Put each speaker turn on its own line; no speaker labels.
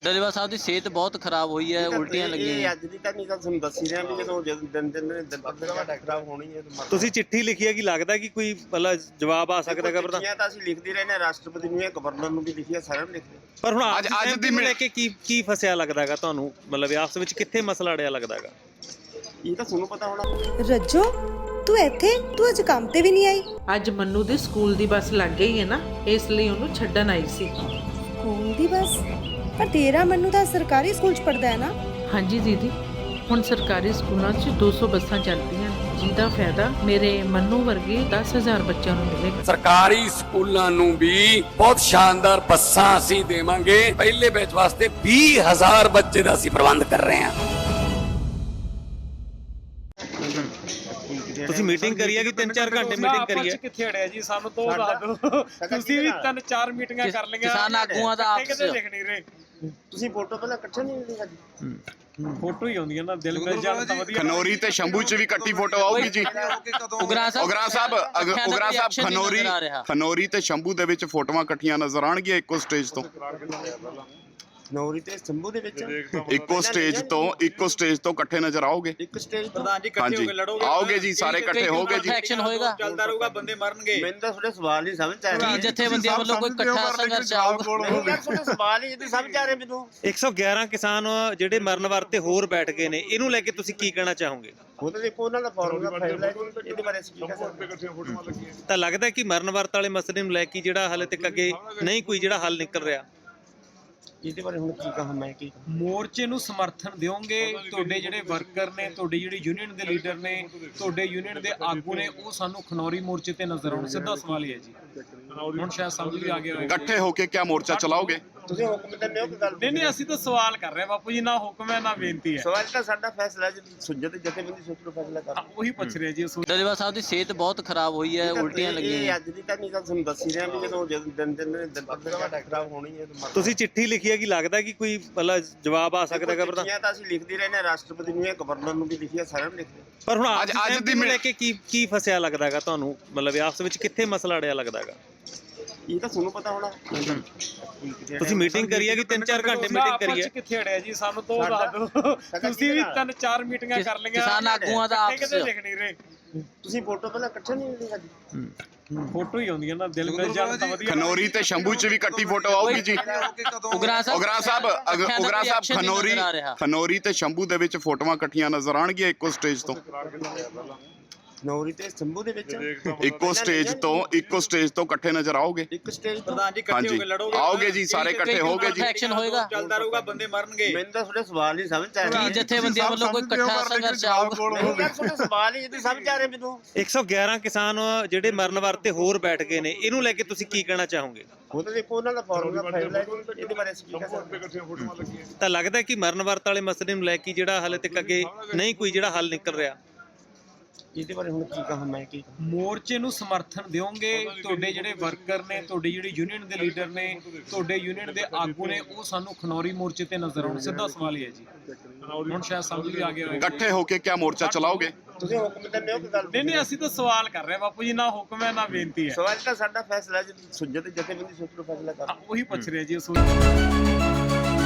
ਡੱਲੇਵਾਲ ਸਾਹਿਬ ਦੀ ਸਿਹਤ ਬਹੁਤ ਖਰਾਬ ਹੋਈ ਹੈ, ਉਲਟੀਆਂ ਲੱਗੀਆਂ ਨੇ।
ਅੱਜ ਦੀ ਤਾਂ ਨਹੀਂ ਗੱਲ ਤੁਹਾਨੂੰ ਦੱਸੀ ਰਿਹਾ ਵੀ ਜਦੋਂ ਦਿਨ ਖਰਾਬ ਹੋਣੀ ਹੈ।
ਤੁਸੀਂ ਚਿੱਠੀ ਲਿਖੀ ਹੈ ਕਿ ਲੱਗਦਾ ਕਿ ਕੋਈ ਮਤਲਬ ਜਵਾਬ ਆ ਸਕਦਾ ਹੈ?
ਚਿੱਠੀਆਂ ਤਾਂ ਅਸੀਂ ਲਿਖਦੇ ਰਹੇ ਨੇ, ਰਾਸ਼ਟਰਪਤੀ ਨੂੰ, ਗਵਰਨਰ ਨੂੰ ਵੀ ਲਿਖੀ ਹੈ, ਸਾਰਿਆਂ ਨੂੰ ਲਿਖਦੇ।
ਪਰ ਹੁਣ ਅੱਜ ਦੀ ਲੈ ਕੇ ਕੀ ਫਸਿਆ ਲੱਗਦਾ ਹੈਗਾ ਤੁਹਾਨੂੰ? ਮਤਲਬ ਆਪਸ ਵਿੱਚ ਕਿੱਥੇ ਮਸਲਾ ਅੜਿਆ ਲੱਗਦਾ ਹੈਗਾ?
ਇਹ ਤਾਂ ਤੁਹਾਨੂੰ ਪਤਾ ਹੋਣਾ।
ਰੱਜੋ ਤੂੰ ਇੱਥੇ, ਤੂੰ ਅੱਜ ਕੰਮ ਤੇ ਵੀ ਨਹੀਂ ਆਈ?
ਅੱਜ ਮੰਨੂ ਦੇ ਸਕੂਲ ਦੀ ਬੱਸ ਲੱਗ ਗਈ ਹੈ ਨਾ, ਇਸ ਲਈ ਉਹਨੂੰ ਛੱਡਣ ਆਈ ਸੀ।
ਸਕੂਲ ਦੀ ਬੱਸ? ਪਰ ਤੇਰਾ ਮੰਨੂ ਤਾਂ ਸਰਕਾਰੀ ਸਕੂਲ 'ਚ ਪੜਦਾ ਹੈ ਨਾ?
ਹਾਂਜੀ ਦੀਦੀ, ਹੁਣ ਸਰਕਾਰੀ ਸਕੂਲਾਂ 'ਚ 200 ਬੱਸਾਂ ਚੱਲਦੀਆਂ, ਜਿਹਦਾ ਫਾਇਦਾ ਮੇਰੇ ਮੰਨੂ ਵਰਗੇ 10,000 ਬੱਚਿਆਂ ਨੂੰ ਮਿਲੇਗਾ।
ਸਰਕਾਰੀ ਸਕੂਲਾਂ ਨੂੰ ਵੀ ਬਹੁਤ ਸ਼ਾਨਦਾਰ ਬੱਸਾਂ ਅਸੀਂ ਦੇਵਾਂਗੇ। ਪਹਿਲੇ ਬੈਚ ਵਾਸਤੇ 20,000 ਬੱਚੇ ਦਾ ਅਸੀਂ ਪ੍ਰਬੰਧ ਕਰ ਰਹੇ ਹਾਂ।
ਤੁਸੀਂ ਮੀਟਿੰਗ ਕਰੀ ਹੈ ਕਿ 3-4 ਘੰਟੇ ਮੀਟਿੰਗ ਕਰੀ ਹੈ?
ਕਿੱਥੇ ਅੜਿਆ ਜੀ, ਸਾਨੂੰ ਤੋਂ ਦੱਸ ਦਿਓ। ਤੁਸੀਂ ਵੀ 3-4 ਮੀਟਿੰਗਾਂ ਕਰ ਲਈਆਂ,
ਕਿਸਾਨ ਆਗੂਆਂ ਦਾ ਆਪਸ
ਲਿਖ ਨਹੀਂ ਰਹੇ।
ਤੁਸੀਂ ਫੋਟੋ ਪਹਿਲਾਂ ਇਕੱਠੇ ਨਹੀਂ ਮਿਲੀ ਸਾਡੀ?
ਫੋਟੋ ਹੀ ਆਉਂਦੀਆਂ ਨਾ, ਦਿਲ ਮਿਲ ਜਾਣ ਤਾਂ ਵਧੀਆ।
ਖਨੌਰੀ ਤੇ ਸ਼ੰਭੂ ਚ ਵੀ ਇਕੱਠੀ ਫੋਟੋ ਆਊਗੀ ਜੀ। ਉਗਰਾ ਸਾਹਿਬ ਖਨੌਰੀ ਤੇ ਸ਼ੰਭੂ ਦੇ ਵਿੱਚ ਫੋਟੋਆਂ ਇਕੱਠੀਆਂ ਨਜ਼ਰ ਆਣਗੀਆਂ ਇੱਕੋ ਸਟੇਜ ਤੋਂ।
ਖਨੌਰੀ ਤੇ ਸ਼ੰਭੂ ਦੇ ਵਿੱਚ
ਇੱਕੋ ਸਟੇਜ ਤੋਂ ਇਕੱਠੇ ਨਜ਼ਰ ਆਓਗੇ?
ਇੱਕ ਸਟੇਜ
ਪ੍ਰਧਾਨ ਜੀ ਇਕੱਠੇ ਹੋ ਕੇ ਲੜੋਗੇ?
ਆਓਗੇ ਜੀ, ਸਾਰੇ ਇਕੱਠੇ ਹੋਗੇ ਜੀ।
ਐਕਸ਼ਨ ਹੋਏਗਾ,
ਚੱਲਦਾ ਰਹੂਗਾ, ਬੰਦੇ ਮਰਨਗੇ।
ਮੈਨੂੰ ਤਾਂ ਤੁਹਾਡੇ ਸਵਾਲ ਨਹੀਂ ਸਮਝ ਆ ਰਹੇ।
ਕੀ ਜਥੇਬੰਦੀਆਂ ਵੱਲੋਂ ਕੋਈ ਇਕੱਠਾ ਸੰਘਰਸ਼ ਆਊਗਾ?
ਤੁਹਾਡੇ ਸਵਾਲ ਹੀ ਨਹੀਂ ਸਮਝ ਆ ਰਹੇ ਮੈਨੂੰ।
111 ਕਿਸਾਨ ਜਿਹੜੇ ਮਰਨ ਵਰਤੇ ਹੋਰ ਬੈਠ ਗਏ ਨੇ, ਇਹਨੂੰ ਲੈ ਕੇ ਤੁਸੀਂ ਕੀ ਕਹਿਣਾ ਚਾਹੋਗੇ?
ਉਹ ਤਾਂ ਦੇਖੋ ਉਹਨਾਂ ਦਾ ਫਾਰਮੂਲਾ ਫਾਈਲ ਹੈ, ਇਹਦੇ ਬਾਰੇ ਅਸੀਂ ਕੀ ਕਹਿ ਸਕਦੇ?
ਤਾਂ ਲੱਗਦਾ ਕਿ ਮਰਨ ਵਰਤ ਵਾਲੇ ਮਸਲੇ ਨੂੰ ਲੈ ਕੇ ਜਿਹੜਾ ਹਾਲੇ ਤੱਕ ਅੱਗੇ ਨਹੀਂ ਕੋਈ ਜਿਹੜਾ ਹੱਲ ਨਿਕਲ ਰਿਹਾ?
ਇਹਦੇ ਬਾਰੇ ਹੁਣ ਕੀ ਕਹਾਂ ਮੈਂ? ਕੀ
ਮੋਰਚੇ ਨੂੰ ਸਮਰਥਨ ਦਿਓਗੇ? ਤੁਹਾਡੇ ਜਿਹੜੇ ਵਰਕਰ ਨੇ, ਤੁਹਾਡੇ ਜਿਹੜੀ ਯੂਨੀਅਨ ਦੇ ਲੀਡਰ ਨੇ, ਤੁਹਾਡੇ ਯੂਨੀਅਨ ਦੇ ਆਗੂ ਨੇ, ਉਹ ਸਾਨੂੰ ਖਨੌਰੀ ਮੋਰਚੇ ਤੇ ਨਜ਼ਰ ਆਉਣ। ਸਿੱਧਾ ਸਵਾਲ ਹੀ ਹੈ ਜੀ, ਹੁਣ ਸ਼ਾਇਦ ਸਮਝ ਵੀ ਆ ਗਿਆ ਹੋਵੇ।
ਇਕੱਠੇ ਹੋ ਕੇ ਕਿਆ ਮੋਰਚਾ ਚਲਾਓਗੇ?
ਤੁਸੀਂ ਹੁਕਮ ਦਿੰਦੇ ਹੋ ਕਿ ਗੱਲ?
ਨਹੀਂ, ਅਸੀਂ ਤਾਂ ਸਵਾਲ ਕਰ ਰਹੇ ਹਾਂ ਬਾਪੂ ਜੀ, ਨਾ ਹੁਕਮ ਹੈ ਨਾ ਬੇਨਤੀ ਹੈ।
ਸਵਾਲ ਤਾਂ ਸਾਡਾ ਫੈਸਲਾ ਹੈ, ਸੁਝਤ ਜਥੇਬੰਦੀ ਸੋਚ ਲਓ, ਫੈਸਲਾ ਕਰ।
ਉਹੀ ਪੁੱਛ ਰਿਹਾ ਜੀ।
ਡੱਲੇਵਾਲ ਸਾਹਿਬ ਦੀ ਸਿਹਤ ਬਹੁਤ ਖਰਾਬ ਹੋਈ ਹੈ, ਉਲਟੀਆਂ ਲੱਗੀਆਂ ਨੇ।
ਅੱਜ ਦੀ ਤਾਂ ਨਹੀਂ ਗੱਲ ਤੁਹਾਨੂੰ ਦੱਸੀ ਰਿਹਾ ਵੀ ਜਦੋਂ ਦਿਨ ਖਰਾਬ ਹੋਣੀ ਹੈ।
ਤੁਸੀਂ ਚਿੱਠੀ ਲਿਖੀ ਹੈ ਕਿ ਲੱਗਦਾ ਕਿ ਕੋਈ ਮਤਲਬ ਜਵਾਬ ਆ ਸਕਦਾ ਹੈ?
ਚਿੱਠੀਆਂ ਤਾਂ ਅਸੀਂ ਲਿਖਦੇ ਰਹੇ ਨੇ, ਰਾਸ਼ਟਰਪਤੀ ਨੂੰ, ਗਵਰਨਰ ਨੂੰ ਵੀ ਲਿਖੀ ਹੈ, ਸਾਰਿਆਂ ਨੂੰ ਲਿਖਦੇ।
ਪਰ ਹੁਣ ਅੱਜ ਦੀ ਲੈ ਕੇ ਕੀ ਫਸਿਆ ਲੱਗਦਾ ਹੈਗਾ ਤੁਹਾਨੂੰ? ਮਤਲਬ ਆਪਸ ਵਿੱਚ ਕਿੱਥੇ ਮਸਲਾ ਅੜਿਆ ਲੱਗਦਾ ਹੈਗਾ?
ਇਹ ਤਾਂ ਤੁਹਾਨੂੰ ਪਤਾ ਹੋਣਾ।
ਤੁਸੀਂ ਮੀਟਿੰਗ ਕਰੀ ਹੈ ਕਿ 3-4 ਘੰਟੇ ਮੀਟਿੰਗ ਕਰੀ ਹੈ?
ਕਿੱਥੇ ਅੜਿਆ ਜੀ, ਸਾਨੂੰ ਤੋਂ ਦੱਸ ਦਿਓ। ਤੁਸੀਂ ਵੀ 3-4 ਮੀਟਿੰਗਾਂ ਕਰ ਲਈਆਂ,
ਕਿਸਾਨ ਆਗੂਆਂ ਦਾ ਆਪਸ
ਲਿਖ ਨਹੀਂ ਰਹੇ।
ਤੁਸੀਂ ਫੋਟੋ ਪਹਿਲਾਂ ਇਕੱਠੇ ਨਹੀਂ ਮਿਲੀ ਸਾਡੀ?
ਫੋਟੋ ਹੀ ਆਉਂਦੀਆਂ ਨਾ, ਦਿਲ ਮਿਲ ਜਾਣ ਤਾਂ ਵਧੀਆ।
ਖਨੌਰੀ ਤੇ ਸ਼ੰਭੂ ਚ ਵੀ ਇਕੱਠੀ ਫੋਟੋ ਆਊਗੀ ਜੀ।
ਉਗਰਾ ਸਾਹਿਬ
ਖਨੌਰੀ ਤੇ ਸ਼ੰਭੂ ਦੇ ਵਿੱਚ ਫੋਟੋਆਂ ਇਕੱਠੀਆਂ ਨਜ਼ਰ ਆਣਗੀਆਂ ਇੱਕੋ ਸਟੇਜ ਤੋਂ।
ਖਨੌਰੀ ਤੇ ਸ਼ੰਭੂ ਦੇ ਵਿੱਚ
ਇੱਕੋ ਸਟੇਜ ਤੋਂ ਇਕੱਠੇ ਨਜ਼ਰ ਆਓਗੇ?
ਇੱਕ ਸਟੇਜ
ਪ੍ਰਧਾਨ ਜੀ ਇਕੱਠੇ ਹੋ ਕੇ ਲੜੋਗੇ?
ਆਓਗੇ ਜੀ, ਸਾਰੇ ਇਕੱਠੇ ਹੋਗੇ ਜੀ।
ਐਕਸ਼ਨ ਹੋਏਗਾ,
ਚੱਲਦਾ ਰਹੂਗਾ, ਬੰਦੇ ਮਰਨਗੇ।
ਮੈਨੂੰ ਤਾਂ ਤੁਹਾਡੇ ਸਵਾਲ ਨਹੀਂ ਸਮਝ ਆ ਰਹੇ।
ਕੀ ਜਥੇਬੰਦੀਆਂ ਵੱਲੋਂ ਕੋਈ ਇਕੱਠਾ ਸੰਘਰਸ਼ ਆਊਗਾ?
ਤੁਹਾਡੇ ਸਵਾਲ ਹੀ ਨਹੀਂ ਸਮਝ ਆ ਰਹੇ ਮੈਨੂੰ।
111 ਕਿਸਾਨ ਜਿਹੜੇ ਮਰਨ ਵਰਤੇ ਹੋਰ ਬੈਠ ਗਏ ਨੇ, ਇਹਨੂੰ ਲੈ ਕੇ ਤੁਸੀਂ ਕੀ ਕਹਿਣਾ ਚਾਹੋਗੇ?
ਉਹ ਤਾਂ ਦੇਖੋ ਉਹਨਾਂ ਦਾ ਫਾਰਮੂਲਾ ਫਾਈਲ ਹੈ, ਇਹਦੇ ਬਾਰੇ ਅਸੀਂ ਕੀ ਕਹਿ ਸਕਦੇ?
ਤਾਂ ਲੱਗਦਾ ਕਿ ਮਰਨ ਵਰਤ ਵਾਲੇ ਮਸਲੇ ਨੂੰ ਲੈ ਕੇ ਜਿਹੜਾ ਹਾਲੇ ਤੱਕ ਅੱਗੇ ਨਹੀਂ ਕੋਈ ਜਿਹੜਾ ਹੱਲ ਨਿਕਲ ਰਿਹਾ?
ਇਹਦੇ ਬਾਰੇ ਹੁਣ ਕੀ ਕਹਾਂ ਮੈਂ? ਕੀ
ਮੋਰਚੇ ਨੂੰ ਸਮਰਥਨ ਦਿਓਗੇ? ਤੁਹਾਡੇ ਜਿਹੜੇ ਵਰਕਰ ਨੇ, ਤੁਹਾਡੇ ਜਿਹੜੀ ਯੂਨੀਅਨ ਦੇ ਲੀਡਰ ਨੇ, ਤੁਹਾਡੇ ਯੂਨੀਅਨ ਦੇ ਆਗੂ ਨੇ, ਉਹ ਸਾਨੂੰ ਖਨੌਰੀ ਮੋਰਚੇ ਤੇ ਨਜ਼ਰ ਆਉਣ। ਸਿੱਧਾ ਸਵਾਲ ਹੀ ਹੈ ਜੀ, ਹੁਣ ਸ਼ਾਇਦ ਸਮਝ ਵੀ ਆ ਗਿਆ ਹੋਵੇ।
ਇਕੱਠੇ ਹੋ ਕੇ ਕਿਆ ਮੋਰਚਾ ਚਲਾਓਗੇ?
ਤੁਸੀਂ ਹੁਕਮ ਦਿੰਦੇ ਹੋ ਕਿ ਗੱਲ?
ਨਹੀਂ, ਅਸੀਂ ਤਾਂ ਸਵਾਲ ਕਰ ਰਹੇ ਹਾਂ ਬਾਪੂ ਜੀ, ਨਾ ਹੁਕਮ ਹੈ ਨਾ ਬੇਨਤੀ ਹੈ।
ਸਵਾਲ ਤਾਂ ਸਾਡਾ ਫੈਸਲਾ ਹੈ, ਸੁਝਤ ਜਥੇਬੰਦੀ ਸੋਚ ਲਓ, ਫੈਸਲਾ ਕਰ।
ਉਹੀ ਪੁੱਛ ਰਿਹਾ ਜੀ।